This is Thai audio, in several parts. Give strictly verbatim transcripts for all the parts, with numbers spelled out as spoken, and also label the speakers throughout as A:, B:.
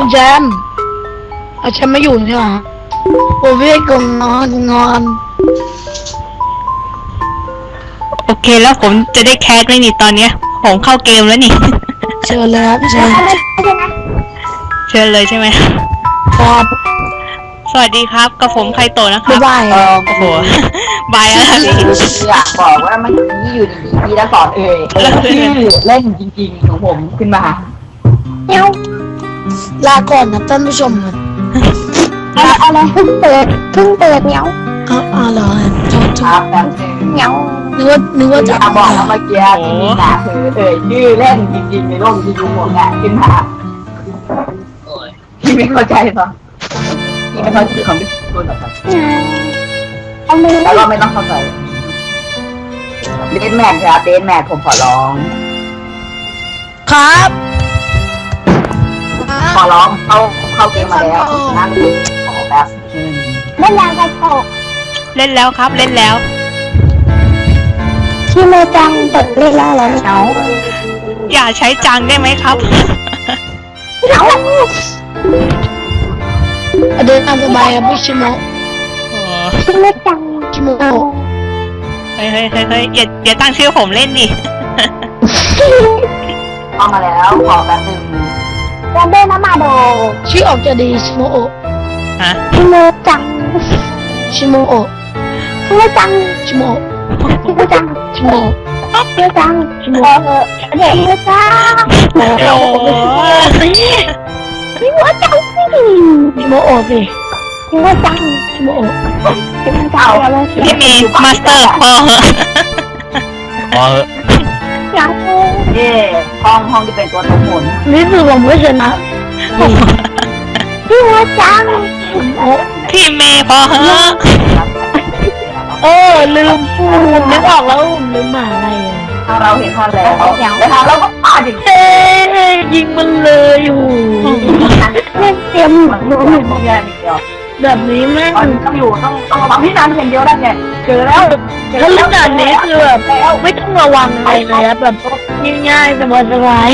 A: คุณแจมเอาแชมป์ไม่อยู่ใช่ไหมโอ้พี่กงนอนงอน
B: โอเคแล้วผมจะได้แคสไหมนี่ตอนเนี้ยผมเข้าเกมแล้วนี่
A: เชิญเลยครับเชิญ
B: เชิญเลยใช่ไหม
A: ครับ
B: สวัสดีครับกับผมไคโตะนะครับ
A: บ๊ายบาย
C: เออ
B: โอ้โหบายแล้วพี่
C: อยากบอกว่ามันนี่อยู่ดีๆพี่ละสอนเอ่ยชื่อเล่นจริงๆของผมขึ้นมาเนี้ย
A: ลาก่อนนะท่านผู้ชมครับ
C: อะไรเพิ่งเปิดเพิ่งเปิดเนี้ย
A: เอาเอาเหรอโทษโท
C: ครับ
A: ษ
C: แบบเนี้ย
A: นึกว่านึกว่าจะ
C: จะบอกแล้วเมื่อกี้ที่มีหนาคือเอ่ยชื่อเล่นจริงๆในโลกที่ดูหมดอ่ะขึ้นมาพี่ไม่เข้าใจหรอพี่ไม่เข้าใจของพี่ตัวหรอกครับเอามือแล้วก็ไม่ต้องเข้าใจเดนแมนครับเดนแมนผมขอร้อง
A: ครับ
C: ขอร้องเข้าเข้าเกมมาแล้วนั่งขอแบบเล่นแล้วกันโต
B: เล่นแล้วครับเล่นแล้ว
C: ที่เมจังเปิดเล่นแล้วแล้วเนาะ
B: อย่าใช้จังได้ไหมครับ
C: เนาะ
A: เดินตามสบายครับพี่ชิโมะ
B: โอ้
C: ที่เมจัง
A: ชิโมะ
B: เฮ้ยเฮ้ยเฮ้ยเฮ้ยอย่าอย่าตั้งชื่อผมเล่นดิ
C: เข้ามาแล้วขอแบบหนึ่งจะเดินมาโด
A: ชื่อออกจะดีชิโมโอะ
B: ฮะ
C: ที่เมจัง
A: ชิโมโอะ
C: ที่เมจัง
A: ชิโมโอะ
C: ที่เมจัง
A: ชิโมโอะ
C: ที่เมจังที่เมเด็กเมจัง
B: โอ้โห
C: ที่เมจังสิ
A: ชิโมโอะสิ
C: ที่เมจัง
A: ชิโมโอะ
C: ที่เมจังอะไร
B: พี่เมย์มาสเตอร์พอเหอะพอเหอะ
C: อยากดูเย่ห้องห้องที่เป็นตัวทั้งหมด
A: นี่คือผมไม่ชนะ
C: ที่เมจัง
B: พี่เมย์พอเหอะ
A: เออลืมพูดนึกออกแล้วลืมหมาอะไรอ่ะ
C: ถ้าเราเห็นท่อนแล้วแต่ถ้าเราก็ปาดอีก
A: เอ้ยยิงมันเลยอยู่
C: เล่นเต็มเหมือนรู้เหมือนแย่นิดเดียว
A: แบบนี้แม่ง
C: ต้องอยู่ต้องต้องระวังพี่นันอย่างเดียวได้ไงเจอแล้ว
A: ถ้าเล่นแบบนี้คือแบบไม่ต้องระวังอะไรเลยอะแบบง่ายๆสบาย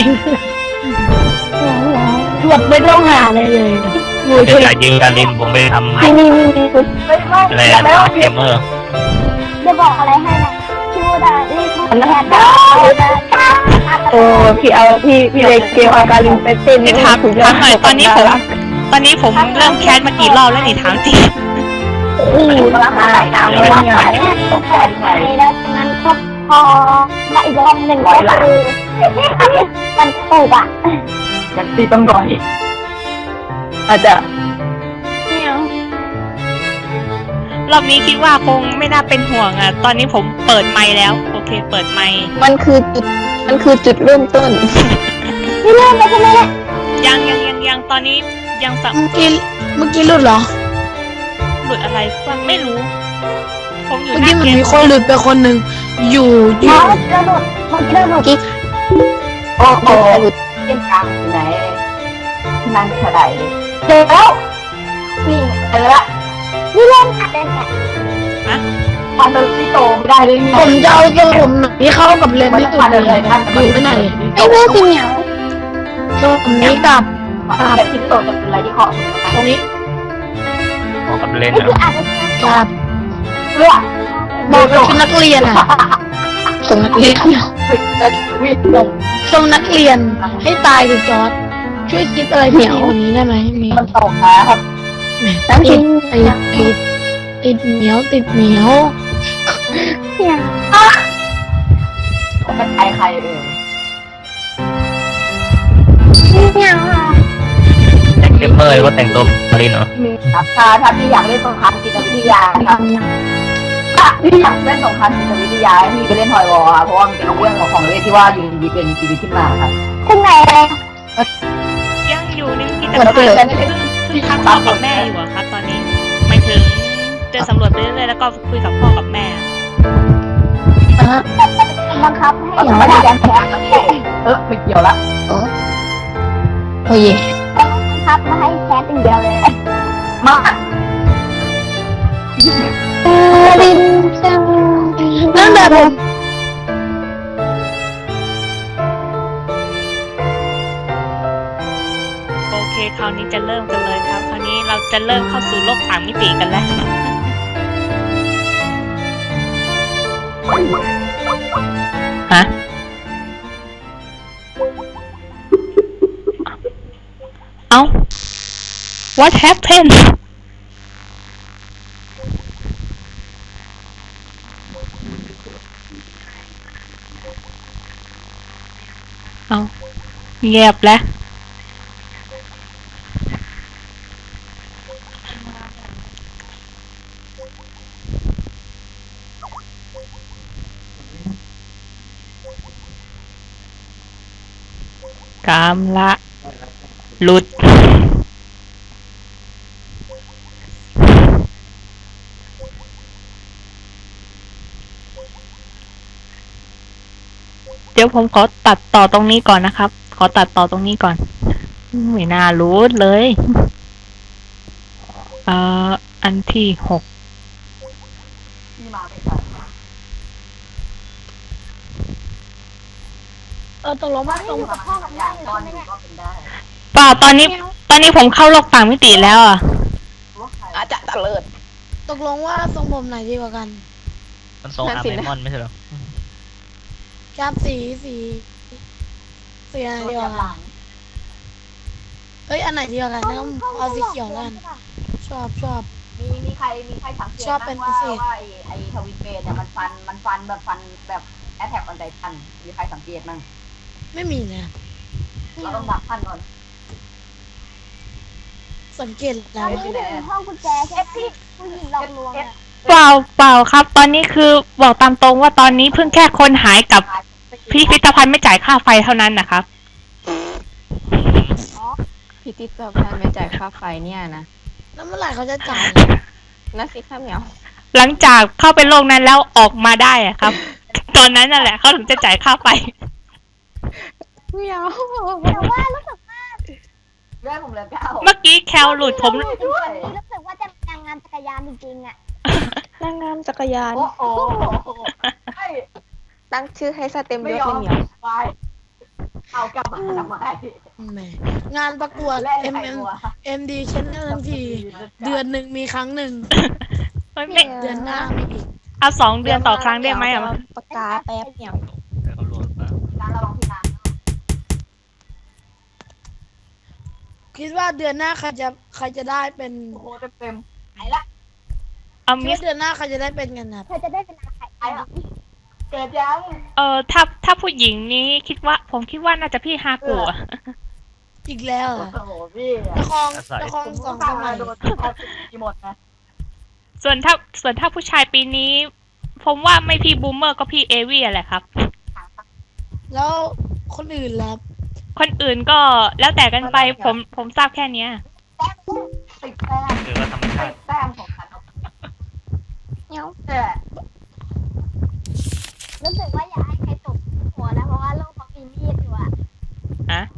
A: ๆแบบไม่ต้องหาอะไรเลยอยู่
D: เดี๋
A: เฉ
D: ยวย จะยิงการลินผมไปทำ
C: นี่นี่นี่ไม่ไม่
D: อะไร
C: แล้ว
D: อะเกมเมอร์
C: จะบอกอะไรให้นะชื่อว่านี่คือแอนด้าโอ้พี่เอาพี่พี่เล็กเกมอาการลิงไปเต้น
B: เดี๋ยวถามถามหน่อยตอนนี้ผมตอนนี้ผมเริ่มแคสมากี่รอบแล้วนี่ถามจริง
C: อู้ราคาไหนน้ำเลยไงต้องแพงไงแล้วนั้นก็พอมาอีกรอบหนึ่งร้อยละมันถูกอ่ะยังตีต้องร้อยอาจจะ
B: รอบนี้คิดว่าคงไม่น่าเป็นห่วงอ่ะตอนนี้ผมเปิดไมค์แล้วโอเคเปิดไมค์
C: มันคือจุดมันคือจุดเริ่มต้นไม่เริ่มเลยใช่ไหมเนี่ย
B: ยังยังยังยังตอนนี้ยังสับ
A: เมื่อกี้เมื่อกี้หลุดเหรอ
B: หลุดอะไรฟังไม่รู้ ผมอยู่
A: เมื่อ
B: หน้า
A: กี้มัน
B: เกม
A: มีคนหลุดไปคนหนึ่งอยู่อยู่
C: มันเริ่มหลุดมันเริ่มหลุดกิ๊กโอ้โหหลุดเส้นกลางไหนนั่งเท่าไหร่เจอแล้วนี่เจอละนี่เริ่มหัดเล่นไง
B: ฮะ
C: มันเป็นที่โตไม่ได้เลย
A: ผมจะเอาตัวผมไหนที่เข้ากับเลนส์ที่สุดเลยอยู่ที่ไหน
C: ไอ้เรื่องจริงเหรอ
A: ตัวผมนี้กับ
C: แบบที่โตจะเป็นอะไรที่ขอ
A: ตรงนี้
D: พอกับเล่น
C: นี่
D: นะ
C: คืออาจจะ
A: กับ
C: เลือก
A: บอกว่าชุดนักเรียนอ่ะส่งนักเรียน
C: วิ่งลง
A: ส่งนักเรียนให้ตายเลยจอร์ดช่วยคิดอะไรที่ดีกว่านี้ได้ไหมมี
C: มันตกนะครับ
A: แหมติดติดติดติดเหนียวติดเหนียว
C: เนี่ยมันใครใครเอ่ยเนี่ย
D: แต่งเกมเมอร์ก็แต่งตัวมาลินเหรอ
C: มีครับถ้าถ้าพี่อยากเล่นสงครามจิตวิทยาครับถ้าพี่อยากเล่นสงครามจิตวิทยาพี่ไปเล่นทอยวอลครับเพราะว่ามันเป็นเรื่องของเล่นที่ว่าอยู่ดีเป็นชีวิตขึ้นมาครับขึ้นไหนอะไร
B: ยังอยู่ในกิจกรรมซึ่งพักพ่อกับแม่อยู่อะครับตอนนี้หมายถึงเดินสำรวจไปเรื่อยๆแล้วก็คุยกับพ่อกับแม่
C: บังคับให้อย่างไม่ได้แรงแพ้เออไม่เกี่ยวละ
A: โอ้ย
C: บังคับมาให้แพ้ติ่งเดียวเลยมาลินจัง
A: นั่นแบบผม
B: โอเคคราวนี้จะเริ่มกันเลยครับ คราวนี้เราจะเริ่มเข้าสู่โลกสามมิติกันแล้ว ฮะ เอ้า what happened เอาเงียบแล้ว กามละหลุด เดี๋ยวผมขอตัดต่อตรงนี้ก่อนนะครับ ขอตัดต่อตรงนี้ก่อน ไม่น่ารู้เลยเอ่ออันที่หก
C: ที่มาไม่ทัน
A: เออตกลงว่าตรง
C: กับพ่อกับแม่ตอนนี้ก็เป็นได้
B: เปล่าตอนนี้ ตอนนี้ผมเข้าโลกต่างมิติแล้วอ่ะ
C: อาจจะตะเลิด
A: ตกลงว่าทรงผมไหนดีกว่ากัน
D: มันทรงอาร์เมมอนไม่ใช่เหรอ
A: ครับสีสีสีอะไรดีกว่ากันเฮ้ยอันไหนดีกว่ากันต้องเอาสีเขียวแล้วกันชอบชอบ
C: มีมีใครมีใครสังเกต
A: ชอบเป็นพิ
C: ว่า
A: เศษ
C: ว่าไอ้ไอ้ทวิตเบนเนี่ยมันฟันมันฟันแบบฟันแบบแอทแทกออนไททันมีใครสังเกตมั้ง
A: ไม่มีเลย
C: เราต้องดักทันก่อน
A: สังเกตแล้ว
C: ไม่ถึงห้องกุญแจใช่ไหมผู้หญิงหลอกลวง
B: เปล่าเปล่าครับ ตอนนี้คือบอกตามตรงว่าตอนนี้เพิ่งแค่คนหายกับพิพิธภัณฑ์ไม่จ่ายค่าไฟเท่านั้นนะครับ
E: พิพิธภัณฑ์ไม่จ่ายค่าไฟเนี่ยนะ
A: แล้วเมื่อไหร่เขาจะจ่าย
E: นั่นสิข้าเหมียว
B: หลังจากเข้าไปโลกนั้นแล้วออกมาได้อะครับ ตอนนั้นนั่นแหละเขาถึงจะจ่ายค่าไฟ
E: เหมียว
C: แต่ว่ารู้สึกว่าเรื่องผมเลยเก้า
B: เมื่อกี้แคลหลุดผม
C: รู้สึกว่าจะแต่งงานจักรยานจริงๆอ่ะ
E: นางงามจักรยาน
C: โอ้โหไอ้
E: ตั้งชื่อให้สเต็ม
C: ไม่
E: ยศ
C: ยอ
E: เลย
C: ม
E: เหมียว
C: ไปเอากลับมาทำไม
A: แหมงานประกวด
C: เล่น
A: M
C: ไข่
A: M
C: หัว
A: M D Channel ทั้งทีเดือนหนึ่งมีครั้งหนึ่ง
B: ไม่ไม่
A: เดือนหน้ามีอีก
B: เอาสองเดือนต่อครั้งได้ไหมอะ
E: ปากกาแป๊บเหมียว
D: เดี๋ยวเขารวมมา
C: การระวังพี่นาง
A: คิดว่าเดือนหน้าใครจะใครจะได้เป็น
C: โอ้โหเต็มๆไหนละ
B: เอา
A: คิด
B: มิส
A: ว่าเดือนหน้าใครจะได้เป็นกันครับ
C: เธอจะได้เป็นนางไข่ไอ้หรอเกิดยัง
B: เออถ้าถ้าผู้หญิงนี้คิดว่า ผมคิดว่าน่าจะพี่ฮากุอะ
A: อีกแล้วเหรอ
C: โอ้โหพี่
A: ละครละครสองสมัย
C: โดนทีหมดนะ
B: ส่วนถ้าส่วนถ้าผู้ชายปีนี้ ผมว่าไม่พี่บูมเมอร์ก็พี่เอวี่แหละครับ
A: แล้วคนอื่นล่ะ
B: คนอื่นก็แล้วแต่กันไปผมผมทราบแค่เนี้ย
C: แต้มติดแต้ม
D: คือว่าธรรมชา
C: ติ
D: ติ
C: ดแต้มของฉัน
E: เหมียว
C: แต่รู้สึกว่าอยากให้ใครตกหัวนะเพราะว่าโลกเขามีมีดอยู่อะ
B: ฮะ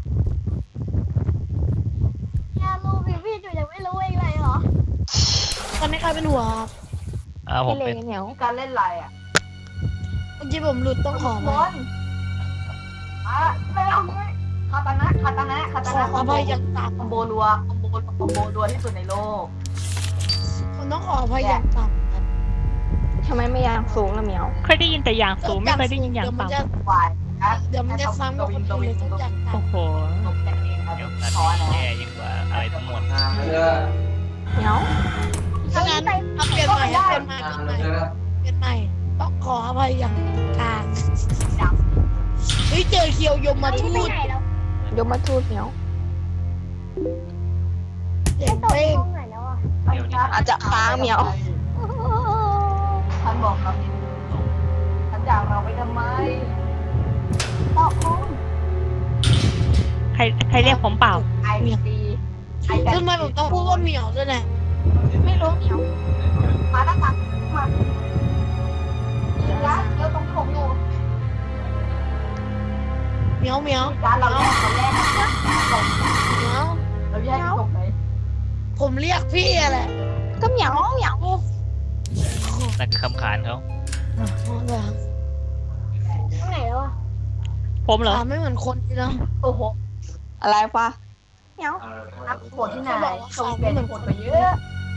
C: เนี่ยลูกมีมีดอยู่ยังไม่รู้เองเลยเหรอ
A: ตอนนี้ใครเป็นหัวครับ
D: อ่าผม
E: พี่เล
D: เป็น
E: เหมียว
C: การเล่นไรอะ
A: เมื่อกี้ผมหลุดต้องขอ
C: บบ
A: อ
C: อลอ่ะไม่เอาไม่คาตานะคาตานะคาตา
A: ขอ
C: นะ
A: อภัยอย่างต่ำ
C: คอมโบรัวคอมโบคอมโบรัวที่สุดในโลก
A: ผมต้องขออภัยอย่างต่ำครับ
E: ทำไมไม่ยางสูงล่ะเหมียว
B: เคยได้ยินแต่อย่างสูงไม่เคยได้ยินอย่าง
A: เดี๋ยวมัน
B: ต่ำ
A: จะ
C: วายนะ
A: เดี๋ยวมันจะซ้ำกับคนอื่นเลยต้องอย่าง
B: โอ้
A: ต่ำ
B: โห
C: ตกแต่งเองครับ
D: เดี๋ยวนัด
C: ขอนะ
D: แย่ยิ่งกว่าอะไรทั้งหมด
E: เหมียว
A: ถ้างั้นเอาเปลี่ยนใหม่เอาเปลี่ยนใหม่เปลี่ยนใหม่เปลี่ยนใหม่ต้องขออภัยอย่างกลางเฮ้ยเจอเคียวยมมาทูด
E: ยมมาทูตเหมียว
A: เจ๋งเป้ง
E: อาจจะค้างเหมียว
C: ท่านบอกครับท่านจากเราไปทำไมตอกคง
B: ใครใครเรียกผมเปล่า
C: ไอดีไอ
A: ทำไมผมต้องพูดว่าเหมียวด้วยเนี่ย
E: ไม่รู้เหมียว
C: มาตั้งแต่มาเดี๋ยวนะเดี๋ยวตรงที่ผมอยู่
A: เหมียวเหมียว
C: ร้านเราแรกคนแรกนะส่ง
A: เหมียว
C: เราแยกส่งไหน
A: ผมเรียกพี่อะไร
E: ก็เหมียวเหมียว
D: นั่นคือคำขานเขา
A: อ๋อเหรอ
C: ตรงไหนแล้วอ่ะ
B: ผมเหรอ
A: ถามไม่เหมือนคนจริงเนาะ
C: โอ้โห
E: อะไรปะเหมียว
C: อัพโหดที่ไหน
A: เขาบอกว่าเขา
C: เปลี่ยน
A: เหมือน
C: โห
A: ค
C: ด
A: น
C: ไปเยอะ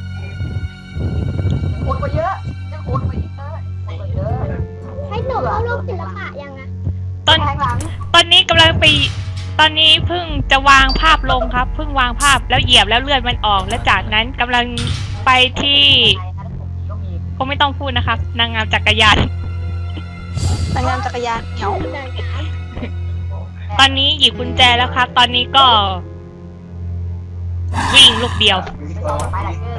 C: โหดไปเยอะยังโหดไปอีกเลยโหดไปเยอะ
F: ให้หนูเข้าโลกศิลปะยังอะ
B: ตอน
C: แทงหลัง
B: ตอนนี้กำลังไปตอนนี้เพิ่งจะวางภาพลงครับเพิ่งวางภาพแล้วเหยียบแล้วเลือดมันออก และจากนั้นกำลังไปที่ก็ไม่ต้องพูดนะครับ นางงามจักรยาน
E: นางงามจักรยานเหมียว
F: นางงาม
B: ตอนนี้หยิบกุญแจแล้วครับ ตอนนี้ก็ วิ่งลูกเดียว
C: ไปไหนเกิน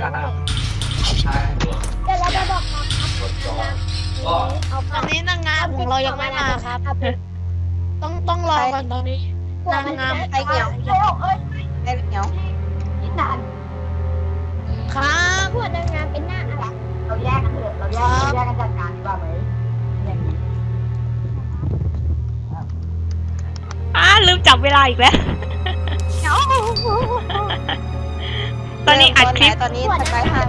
F: เดี๋ยวเราจะบอกมาครับเอา
A: ตอนนี้นางงามของเรายังไม่มาครับ ต้องต้องรอก่อนตอนนี้ นางงาม
E: ไอเหมียว
C: เร็วเอ้ย
E: ไอเหมียว
C: นิดนาน
A: ครับ
F: พวกนางงามเป็นหน้าอะไร
C: เราแยกกันเถอะเราแยกเราแยกกันจัดการดีกว่าไหมอย่างนี้
B: อ้าลืมจับเวลาอีกแล้ว
E: เหมียว
B: ตอนนี้อัดคลิป
E: ตอนนี้สกายฮัน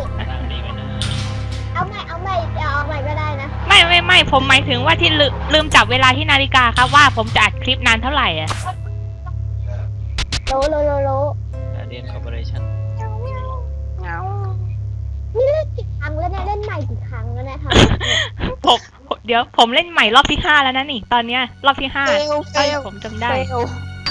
F: เอาใหม่เอาใหม่เอาใหม่ก็ได้นะ
B: ไม่ไม่ไม่ผมหมายถึงว่าที่ลืมลืมจับเวลาที่นาฬิกาครับว่าผมจะอัดคลิปนานเท่าไหร่อ่ะ
F: โลโลโลโล
D: เรียนคอร์ปอเรชั่น
E: เหมียว
F: นี่เล่นกี่ครั้งแล้วเนี่ยเล่นใหม่กี่ครั้งแล้วเนี่ยทำ
B: ผมผมเดี๋ยวผมเล่นใหม่รอบที่ห้าแล้วนะนี่ตอนเนี้ยรอบที่ห้า
E: เฟลเฟ
B: ใช่
E: ล
B: ผมจำได้
E: เฟล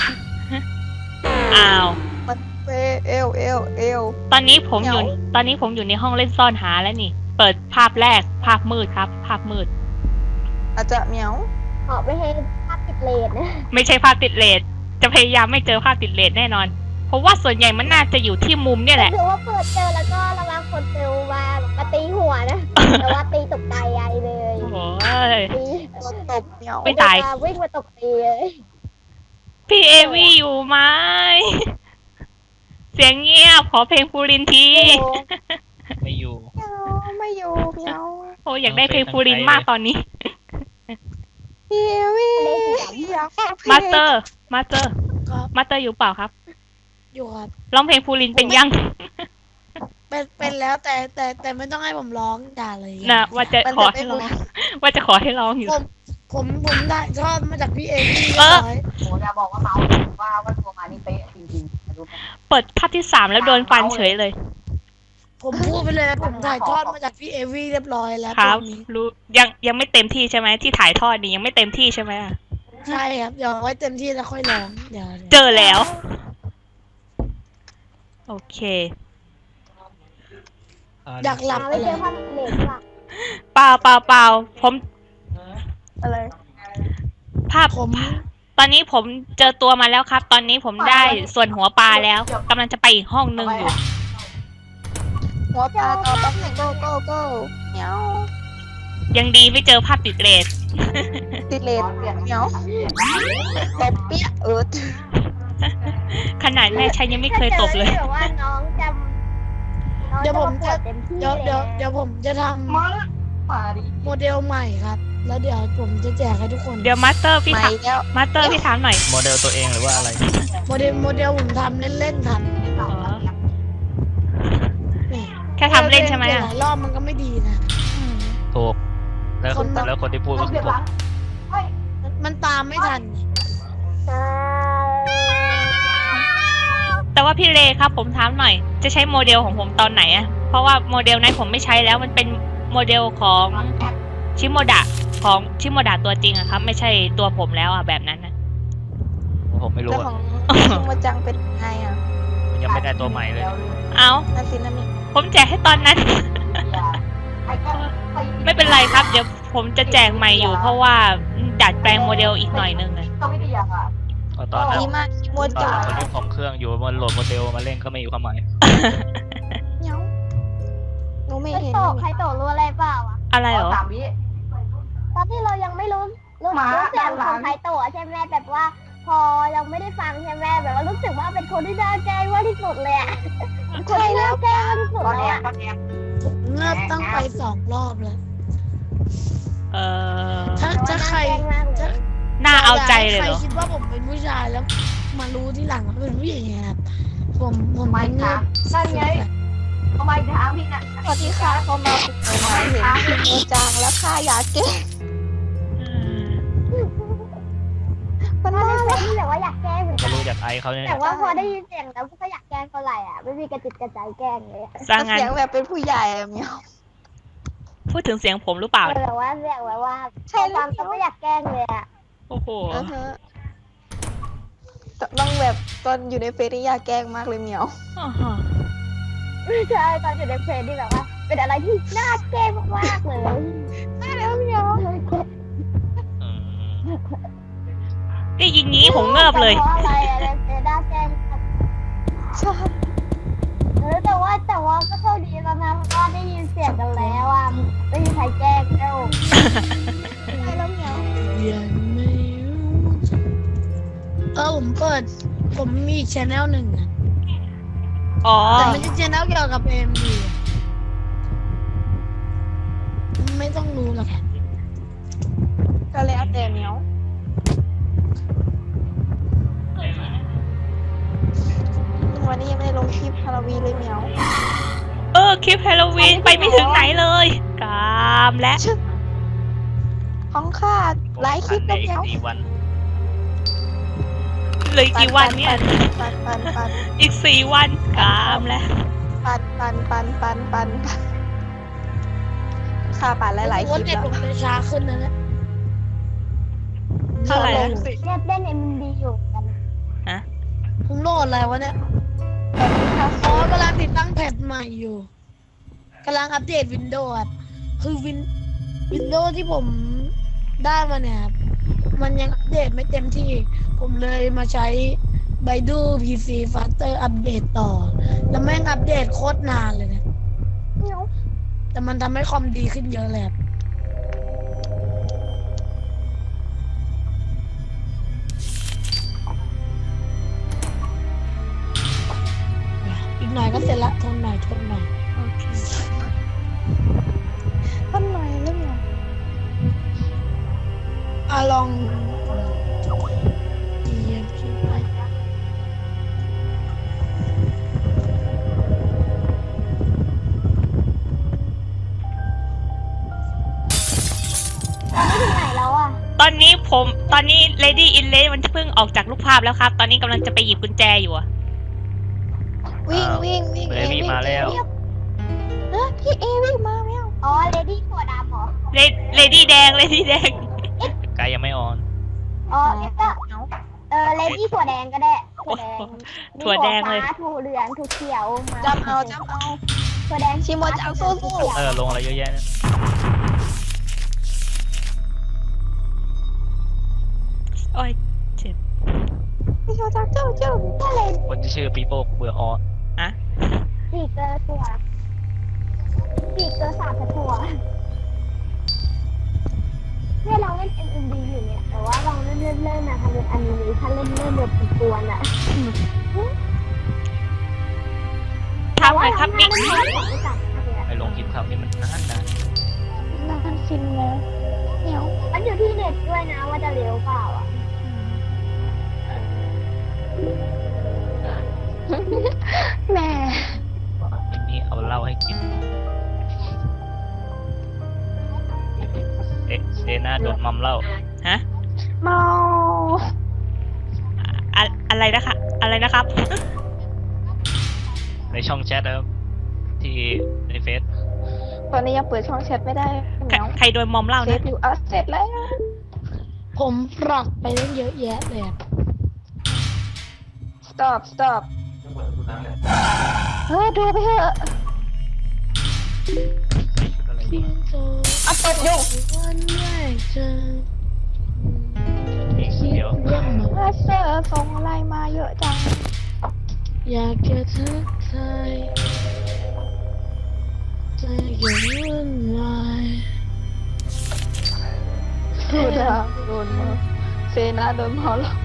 B: อ้าว
E: มันเฟลเอลเอลเอล
B: ตอนนี้ผมอยู่
E: เหงา
B: ตอนนี้ผมอยู่ในห้องเล่นซ่อนหาแล้วนี่ เปิดภาพแรกภาพมืดครับ ภาพมืด
E: อาจจะเหมียว
F: ขอไปให้ภาพติดเลนนะ
B: ไม่ใช่ภาพติดเลสจะพยายามไม่เจอภาพติดเลสแน่นอน เพราะว่าส่วนใหญ่มันน่าจะอยู่ที่มุมเนี่ยแหละ
F: ถือว่าเปิดเจอแล้วก็ระวังคนเจอมามาตีหัวนะ แต่ว่าตีตกใจใหญ่เลย
B: โอ้ย
F: ตี
E: ตัวตบเหมียว
B: ไม่ตาย
F: วิ่งมาตกตีเลย
B: พี่เอวี่อยู่ไหมเสียงเงียบขอเพลงฟูรินที
D: ไม่อยู่
E: เหมียวไม่อยู่เหมียว
B: โอ้ยอยากได้เพลงฟูรินมากตอนนี้
E: เฮียวี่อยากฟังเพลง
B: มาสเตอร์ มาสเตอร์
A: ครับ
B: มาสเตอร์อยู่เปล่าครับ
A: อยู่ครับ
B: ร้องเพลงฟูรินเป็นยัง
A: เป็นเป็นแล้วแต่แต่แต่ไม่ต้องให้ผมร้องด่าเลย
B: นะว่าจะ
E: มัน
B: ขอ
E: จะ
B: ให้
E: ไม่
B: ร้อง
E: รู้
B: ว่าจะขอให้ร้องอยู่
A: ผมผมผมได้ชอบมาจากพี่เอวี่
B: เออ
A: ร้อย
C: โหจะบอกว่าเมาว่าว่าตัวมานี่เป๊ะจริงๆรู้ไหม
B: เปิดภาพที่สามแล้วโดนฟันเฉยเลย
A: ผมพูดไปเลยผมถ่ายทอดมาจากพี่เอวี่เรียบร้อยแล้ว
B: ครับ
A: ตรงนี้
B: รู้ยังยังไม่เต็มที่ใช่ไหมที่ถ่ายทอดนี่ยังไม่เต็มที่ใช่ไหมอะ
A: ใช่ครับเดี๋ยวเอาไว้เต็มที่แล้วค่อยร้องเดี๋ยว
B: เจอแล้ว โอเค
A: อยากหลับ
F: หา
A: ไป
F: ไม่เจ
A: เล
F: อย ภาพติดเลนว่ะ
B: เปล่าเปล่าเปล่าผม
E: อะไร
B: ภาพ
A: ผม
B: ตอนนี้ผมเจอตัวมาแล้วครับ ตอนนี้ผมได้ส่วนหัวปลาแล้วกำลังจะไปอีกห้องหนึ่งอยู่
E: หัวปลาต่อแป๊บหนึ่งโก้โก้โก้เหมียว
B: ยังดีไม่เจอภาพติดเลส
E: ติดเลนเหมียวตบเปี้ยเอิร์ด
B: ขนาดแม่ชัยยังไม่เคยตบเลย
F: ถ้าจอแบบว่าน้องจำน้อง
A: เดี๋ยวผม
F: ป
A: จะ
F: วดเต็มที่
A: เดี๋ยวเดี๋ยว
F: ล
A: เดี๋ยวผมจะท
C: มามาดิ
A: ำโมเดลใหม่ครับ แล้วเดี๋ยวผมจะแจกให้ทุกคน
B: เดี๋ยวมาสเตอร์พี่
E: มา
B: ถาม
E: อีกแล้ว
B: มาสเตอร์พี่ถามหน่อย
D: โมเดลตัวเองหรือว่าอะไร
A: โมเดลโมเดลผมทำเล่นๆครับ
B: อ๋อ
A: นี่
B: แค่ทำเล่นใช่ไหม
A: ปลี่ย
B: อะ
A: หลายรอบมันก็ไม่ดีนะ
B: อืม
D: ถูก แล้ว
A: คนมัน
D: แล้วคนที่พูด
C: ต้
D: ก็
C: อง
D: คื
C: เก็
D: อบ ผม
C: หลังเฮ้ย
A: มันมันตามไม่ทัน
F: ใช่
B: แต่ว่าพี่เลครับผมถามหน่อย จะใช้โมเดลของผมตอนไหนอะเพราะว่าโมเดลนั้นผมไม่ใช้แล้วมันเป็นโมเดลของชิโมดะของชิโมดะตัวจริงอะครับ ไม่ใช่ตัวผมแล้วอะแบบนั้นนะ
D: ผมไม่รู้
E: แล้ว
D: อะ
E: ของชิโมจังเป็นไงอ่ะ
D: มันยังไม่ได้ตัวใหม่เลย
B: เอา
E: นาซินามิ
B: ผมแจกให้ตอนนั้น ไม่เป็นไรครับ เดี๋ยวผมจะแจกใหม่อยู่ เพราะว่าดัดแปลงโมเดลอีกหน่อยนึงอะ
C: ก็ไม่ได้ยังอ่ะ
D: เพราะตอนนั้น
E: ดีมากชิโม
D: ตอน
E: จัง
D: คนที่ผมเครื่องอยู่มันโหลดโมเดลมาเล่นก็ไม่มีความหมาย
E: เหมียวหนูไม่
F: ใคร
E: เห็น
F: โต
E: เลย
F: ใครโตรู้อะไรเปล่าอ่ะ
B: อะไรเหรอ
C: สามวิ
F: ตอนที่เรายังไม่รู้รู้
C: หมา
F: รู้เสียง
C: ห
F: ข
C: ลาน
F: องใครโตใช่ไหมแบบว่า พอยังไม่ได้ฟังใช่ไหมแบบว่ารู้สึกว่าเป็นคนที่น่าแกล้งมากที่สุดเลยอ่ะคนที่น่าแกล้งมากที่สุด
C: ตอน
F: เล
C: แอย บ
F: อ่ะ
C: ตอนแอบ
A: ผมเงือบตั้งไปสองรอบแล้ว
B: เออ
A: ถ้าถ้าใคร
F: น่าแกล้งมากเลย
B: น่าเอาใจเลย
A: ใคร
B: เหรอ
A: คิดว่าผมเป็นผู้ชายแล้ว มารู้ที่หลังว่าเป็นผู้หญิงไงครับ ผมผม
C: ไม่
A: เป็นเงื
C: ถา
A: อ
C: ม
A: บ
C: นั่นไงทำไมถามพี่น่ะ
E: สวัสดีค่ะเขามาฝึกใหม่เห็นชิโมจังแล้วค่าอยากเก่ง
B: อืม
E: มัน
F: ถ้า
E: น่า
F: ใน
E: รัก
F: เฟซที่แบบว่าอยากแกล้งเหมือนกั
D: ไม่
F: น
D: รู้อยากไอเขาเนี่ย
F: แต่ว่าพอได้ยินเสียงแล้วก็อยากแกล้งเท่าไหร่อ่ะไม่มีกระจิตกระใจแกล้งเลยอะ
B: สร้างงาน
E: เสียงแบบเป็นผู้ใหญ่อะเหมียว
B: พูดถึงเสียงผมหรือเปล่า
F: แต่ว่าเสียงแบบว่า
E: ใช่
F: ใช่ฟังก็ไม่อยากแกล้งเลยอ่ะ
B: โอ้โห
E: อือฮะต้องแบบตอนอยู่ในเฟซนี่อยากแกล้งมากเลยเหมียว
B: อ่าฮะ
F: ไม่ใช่ตอนอยู่ในเพลงที่แบบว่า เป็นอะไรที่น่าแกล้งมากๆเลย
E: ใช่แล้วเหมียว
D: อืม
B: ได้ยินงี้ผมเงิบเลย
F: แต่เพราะอะไรอะไรเป็นน่าแกล้งมาก
E: ใช่
F: เออแต่ว่าแต่ว่าก็โชคดีแล้วนะเพราะว่าได้ยินเสียงกันแล้วอ่ะไม่มีใครแกล้งแล้ว
E: ใช่แล้วเหมียว
A: ยังไม่รู้จะเออผมเปิด ผมมีอีกชแนลหนึ่งอะ
B: อ๋อ
A: แต่มันจะชแนลเกี่ยวกับเอ็มดีไม่ต้องรู้หรอกครับ
E: ก็แล้วแต่เหมียววันนี้ยังไม่ได้ลงคลิปฮาโลวีนเลยเหมียว
B: เออ คลิปฮาโลวีนไปไม่ถึงไหนเลยกามและ
E: ของข้าหลายคลิป
D: ใน
E: แล้วเห
D: อี
E: มี
D: ก
E: ยว
D: สี่วัน
B: เหลยกี่วันเนี่ย
E: ปันปันปัน
B: อีกสี่วันกามและ
E: ปันปันปันปันปันปันข้าปั่นหลายๆคลิป
A: เน็ต
E: แล้ว
A: ผมจะช้าขึ้นนะเนี่ย
B: เท่าไหร่นะ
F: เล่นเล่นเอ็มดีอยู่กัน
A: ผมโหลดอะไรวะเนี่ย
E: ตอนนี้ข้า
A: อ๋อกำลังติดตั้งแพทใหม่อยู่กำลังอัปเดตวินโดว์ครับคือวินวินโดว์ที่ผมได้มาเนี่ยครับมันยังอัปเดตไม่เต็มที่ ผมเลยมาใช้ Baidu พี ซี Faster อัปเดตต่อ แล้วแม่งอัปเดตโคตรนานเลยเนี่ย
F: เหมียว
A: แต่มันทำให้คอมดีขึ้นเยอะเลยครับอีกหน่อยก็เสร็จละทนหน่อยทนหน่อย
B: โอเค
E: ท่านหน่อยแล้วเหมียว
A: อ่ะลองเหยียบขึ้นไป
F: ไม่ถึงไหนแล้วอ่ะ
B: ตอนนี้ผม ตอนนี้ Lady in Red มันเพิ่งออกจากรูปภาพแล้วครับ ตอนนี้กำลังจะไปหยิบกุญแจอยู่อะ
E: วิ่งวิ่งวิ่ง
D: เบบี้มาแล้ว
E: เออพี่เอวิ่งมาแล้ว
F: อ๋อเลดี้ถั่วดำเหรอ
B: Lady แดง Lady แดง
D: ไกลยังไม่ออน
F: อ๋องั้นก็เออเลดี้ถั่วแดงก็ได้ถั่วแดง
B: ถั่วแดงเลย
F: มีถั่วฟ้าถั่วเหลืองถั่วเขียวมา
E: จำเอาจำเอา
F: ถั่วแดง
E: ชิโมจังสู้ๆ
F: ถั่วเขียว
D: เออ ลงอะไรเยอะแยะเนี่ย
B: โอ้ยเจ็บ
E: พี่โชจังเจ้าเจ้า
F: ก็เลย
D: คนที่ชื่อปีโป้เบื่อออ
B: อะ
F: สีเกลือถั่วสีเกลือสามถั่วเนี่ยเราเล่น เอ็ม เอ็ม ดี อยู่เนี่ย แต่ว่าเราเล่นเล่นเล่นนะทำเป็นอนิเมชั่นเล่นเล่นแบบกวนๆอ่ะ
B: ทำหน่อยครับมิก
F: แต่ว่าเราไม่ตัดเลยอะ
D: ไปลงคลิปครับนี่มันนานนาน
E: นานฟินแล้วเหมียว
F: มันอยู่ที่เน็ตด้วยนะว่าจะเร็วเปล่าอ่ะ
E: แม่
D: ทีนี้เอาเหล้าให้กิน เอ๊ะเซน่าโดนมัมเหล้า
B: ฮะ
E: เมา
B: อะอะไรนะคะ อะไรนะครับ
D: ในช่องแชทนะครับ ที่ในเฟซ
E: ตอนนี้ยังเปิดช่องแชทไม่ได้เห
B: ใคร
E: มียว
B: ใครโดนมอมเหล่า
E: เซ
B: นะ
E: ฟอยู่อ่ะเสร็จแล้ว
A: ผมปรับไปตั้งเยอะแยะเลยครับ
E: stop stop เฮ้ยดูไปเถอะ
D: อะไร
A: เพียงเธอ
E: เอาตบยุง
A: วันแรกเจอ
D: อีก
A: คิด
D: เดียว
A: เรื่องมา
E: มาเซอร์ส่งอะไรมาเยอะจัง
A: อยากจะทักทายใจยังวุ่นวาย
E: ดูดาโดนมาเซนาโดนเมาแล้ว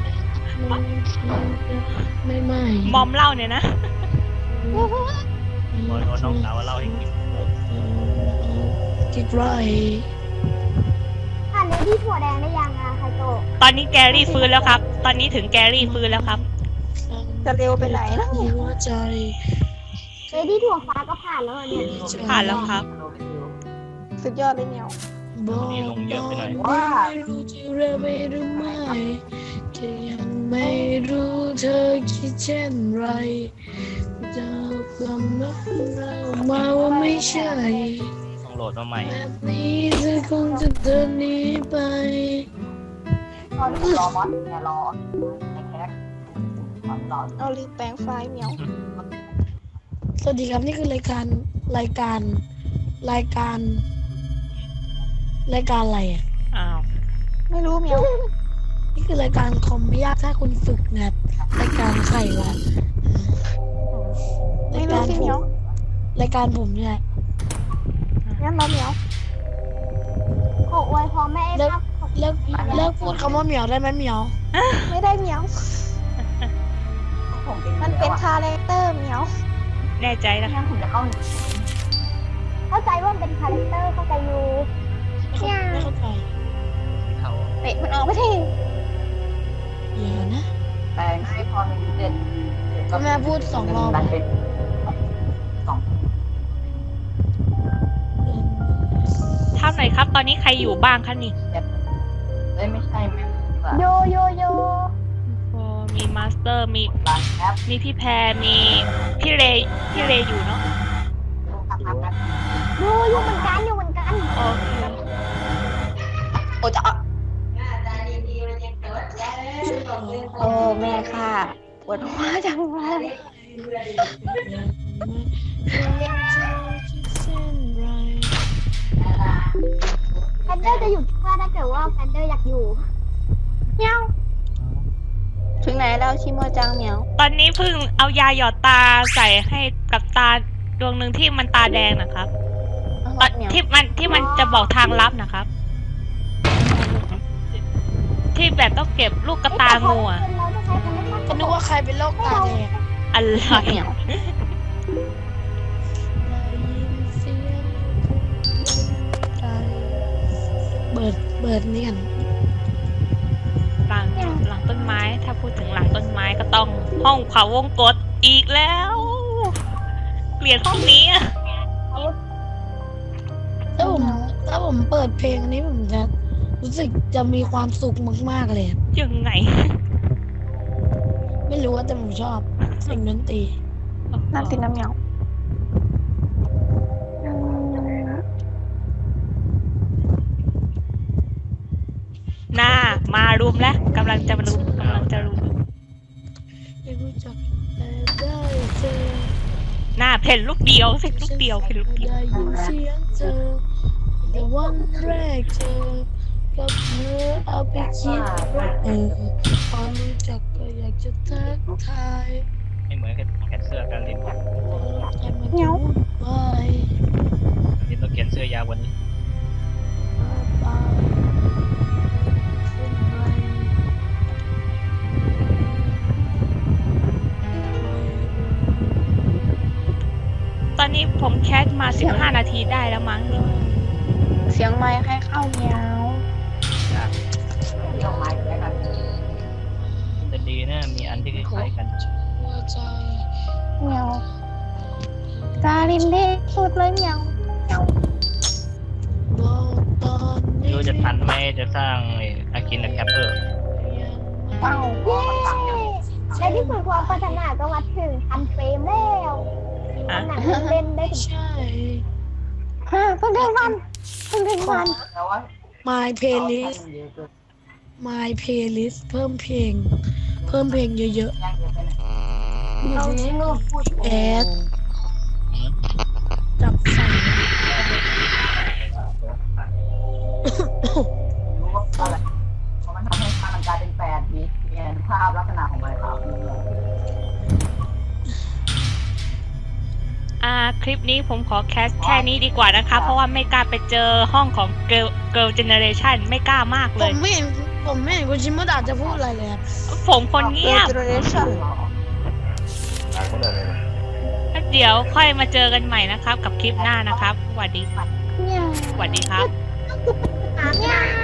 A: ไม่ไม่
B: มอมเหล่าเนี่ยนะ
D: โอ้ยโดนน้องสาวว่าเหล้าให้กิน
A: คิดไร
F: ผ่านเลดี้ถั่วแดงได้ยังอ่ะไคโตะ
B: ตอนนี้แกรี่ฟื้นแล้วครับ ตอนนี้ถึงแกรี่ฟื้นแล้วครับ
E: จะเร็วไปไหนนะเนี่ย
A: หัวใจ
F: เลดี้ถั่วฟ้าก็ผ่านแล้วเหรอเนี่ย
B: ผ่านแล้วครับ
E: สุดยอดเลยเหมียว
A: บอก
D: นี่ลงเยอะไปหน่อย
A: ว่ารู้จะเร็วไปหรือไม่จะยังไม่รู้เธอคิดเช่นไรจะกลับมาเรามาว่าไม่ใช่
D: ต้องโหลดมาใหม่
A: แบบนี้เธอคงจะเดินหนีไป
C: ตอนรอมอสเนี่ยรอไอ้แคทความรอ
E: เอาลืมแปลงไฟล์เหมียว
A: สวัสดีครับนี่คือรายการรายการรายการ รายการอะไรอ่ะ
B: อ้าว
E: ไม่รู้เหมียว
A: นี่คือรายการคอมไม่ยากถ้าคุณฝึกนะครับรายการไข่วะ
E: ไม่
A: ราย
E: รู้
A: การ
E: สิ
A: ผ
E: เหมียว
A: มรายการผมเนี่ย
E: งั้นเราเหมียว
F: ขออวยพรแม่
A: เลิก
F: ครับ
A: เลิกเลิกพูดคำว่าเหมียวได้ไหมเหมียว
E: ไม่ได้เหมียว
C: ผม
E: มันเป็นคาแรคเตอร์เหมียว
B: แน่ใจนะ
C: งั้นผมจะเข้า
F: เข้าใจว่ามันเป็นคาแรคเตอร์เข้าใจอยู่
A: ไม่เข้าใจ
D: เขา
E: เตะมันออกไม่ได้
A: อย่านะ
C: แต่ให้พอมีเด่น
A: ก็แม่พูดสองรอบ
C: มันเป็นสอง
B: ถามหน่อยครับ ตอนนี้ใครอยู่บ้างคะนี่
C: เอ้ยไม่ใช่แม่
F: โยโยโย
B: โอ้มีมาสเตอร์มี
C: ร้านแอป
B: มีพี่แพรมีพี่เรย์พี่เรย์อยู่เนาะ
C: ครับครับครับ
F: โยโยเหมือนกันอยู่เหมือนกัน
B: โอเค
E: โอ้จะเอาโอ้แม่ค่ะปวดหัวจังเลย
F: แฟนเดอร์จะอยู่ที่บ้านถ้าเกิดว่าแฟนเดอร์อยากอยู่
E: เหมียว ถึงไหนแล้วชิโมจังเหมียว
B: ตอนนี้เพิ่งเอายาหยอดตาใส่ให้กับตาดวงหนึ่งที่มันตาแดงนะครับตอน
E: เหมียว
B: ที่มันที่มันจะบอกทางลับนะครับ ที่แบบต้องเก็บลูกกระตางูอะ
F: เราจะใช้คำว่า
A: ก็นึกว่าใครเป็นโรคตาแดง
B: อะไร
E: เหมียว
A: เบิดเบิดเนียน
B: หลังหลังต้นไม้ถ้าพูดถึงหลังต้นไม้ก็ต้องห้องเขาวงกตอีกแล้วเกลียดห้องนี้อะ
A: ถ้าผมถ้าผมเปิดเพลงอันนี้ผมจะรู้สึกจะมีความสุขมากๆเลยอะ
B: ยังไง
A: ไม่รู้ว่าแต่ผมชอบเสียงดนตรี
E: น้ำติดน้ำเหมียว
B: หน้ามารุมแล้วกำลังจะรุมกำลังจะรุม
A: ไม่รู้จักแต่ได้เจอ
B: หน้าเพ่นลูกเดียวเพ่นลูกเดียวเพ่นลูกเดียว
A: ได้ยินเสียงเจอแต่วันแรกเจอกับเธอเอาไปคิดเออพอรู้จักก็อยากจะทักทาย
D: ไม่เหมือนแขนเสื้อการเล่น
A: แต่มันจะวุ่นวาย
D: เล่นต้องเขียนเสื้อยาวกวันนี้
A: ไปขึ้นไป
B: ตอนนี้ผมแคสมาสิบห้านาทีได้แล้วมั้งนี่
E: เสียงไม้ให้เข้าเหมียว
C: เที่ยวไม้แล้วกัน
D: จะดีนะมีอันที่คล้ายๆกัน
A: หัวใจ
E: เหมียวจารินเด็กสุดเลยเหมียว
A: บอกตอนนี้
D: ดูจะทันไหมจะสร้างอากินแคปเปอร์
E: เอ้า
F: เย้ในที่สุดความพัฒนาก็มาถึงพันเฟรมแล้วหนังเล่นได้ถึง
A: ใช่
E: ฮะเพิ่งถึงวันเพิ่งถึงวัน
C: แล้วว่า
A: My playlist My playlist เพิ่มเพลง เพิ่มเพลงเยอะ
C: ย่างเยอะไปไหน
A: ๆ
C: เอาที่ลูกพูด
A: แอดจับใส่
C: รู้ว่าอะไรเพราะมันทำให้ภาพมันกลายเป็นแปดดีเปลี่ยนภาพลักษณะของมันครับ
B: อ่าคลิปนี้ผมขอแคสแค่นี้ดีกว่านะคะ เพราะว่าไม่กล้าไปเจอห้องของ Girl Girl Generation ไม่กล้ามาก
A: ผ
B: เลย
A: มไม่เห็นผมไม่เห็นคุณชิมดาจะพูดอะไรเลยครับ
B: ผมคนเงียบ
E: เจเนอเรชั่น
B: แล้วเดี๋ยวค่อยมาเจอกันใหม่นะครับ กับคลิปหน้านะครับสวัสดี
E: เหมียว
B: สวัสดีครับ
F: เนี่ย